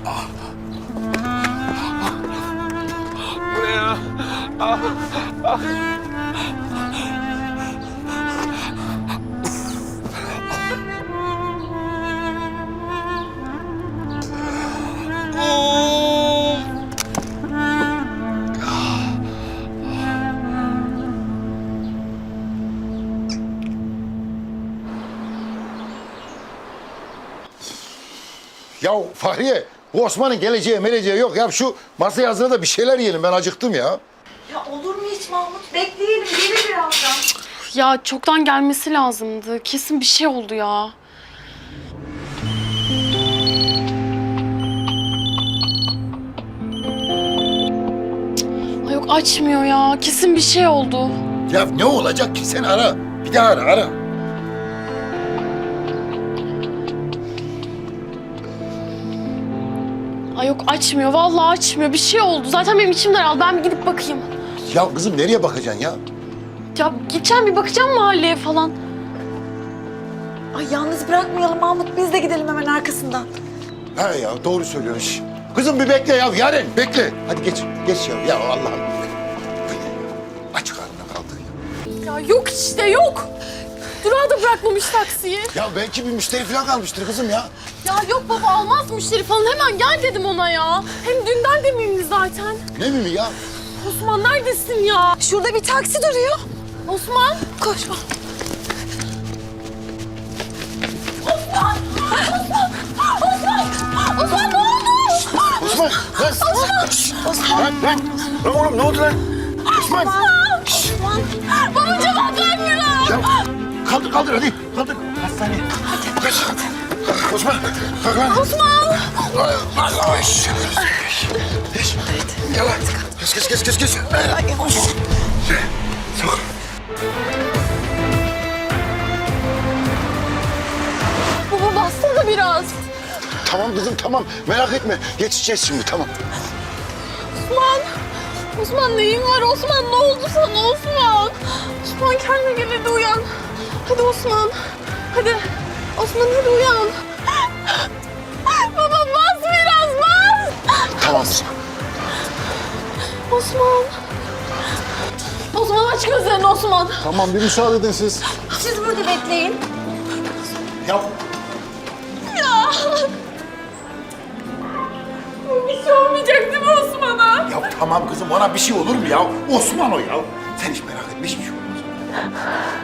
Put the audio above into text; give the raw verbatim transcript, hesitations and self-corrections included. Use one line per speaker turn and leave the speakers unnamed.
Bu ne ya? Ah, ah.
Ya Fahriye, bu Osman'ın geleceği meleceği yok. Ya şu masaya hazırla da bir şeyler yiyelim. Ben acıktım ya.
Ya olur mu hiç Mahmut? Bekleyelim, gelir birazdan.
Ya çoktan gelmesi lazımdı. Kesin bir şey oldu ya. Ay yok açmıyor ya. Kesin bir şey oldu.
Ya ne olacak ki? Sen ara. Bir daha ara, ara.
Ay yok açmıyor. Vallahi açmıyor. Bir şey oldu. Zaten benim içim daraldı. Ben bir gidip bakayım.
Ya kızım nereye bakacaksın ya?
Ya gideceğim bir bakacağım mahalleye falan.
Ay yalnız bırakmayalım Mahmut. Biz de gidelim hemen arkasından.
He ya doğru söylüyorsun. Şş. Kızım bir bekle ya. Yaren bekle. Hadi geç. Geç ya. Ya Allah'ım. Aç karnına kaldı ya.
Ya yok işte yok. Durağı da bırakmamış taksiyi.
Ya belki bir müşteri falan kalmıştır kızım ya.
Ya yok baba almaz müşteri falan. Hemen gel dedim ona ya. Hem dünden de miyim zaten.
Ne miyim ya?
Osman neredesin ya?
Şurada bir taksi duruyor.
Osman.
Koş.
Osman ne oldu?
Osman. Lan. Osman. Lan lan. Lan oğlum ne oldu lan? Osman.
Osman. Baba cevap vermiyor.
Ya kaldır kaldır hadi. Kaldır. Hastaneye. Hadi. Geç. Osman. Kalk lan.
Osman.
Yavaş. Geç. Gel lan. Geç geç geç geç. geç. Sok.
Baba bastır biraz.
Tamam kızım tamam. Merak etme. Geçeceğiz şimdi tamam.
Osman. Osman neyin var Osman? Ne oldu sana Osman? Osman kendine gel hadi uyan. Hadi Osman. Hadi. Osman hadi uyan. Baba bas biraz bas.
Tamam kızım.
Osman. Osman aç gözlerini Osman.
Tamam bir müsaade edin siz.
Siz burada bekleyin.
Ya
Ya. Bir şey olmayacak değil mi Osman'a?
Ya tamam kızım ona bir şey olur mu ya? Osman o ya. Sen hiç merak etme hiçbir şey olmaz.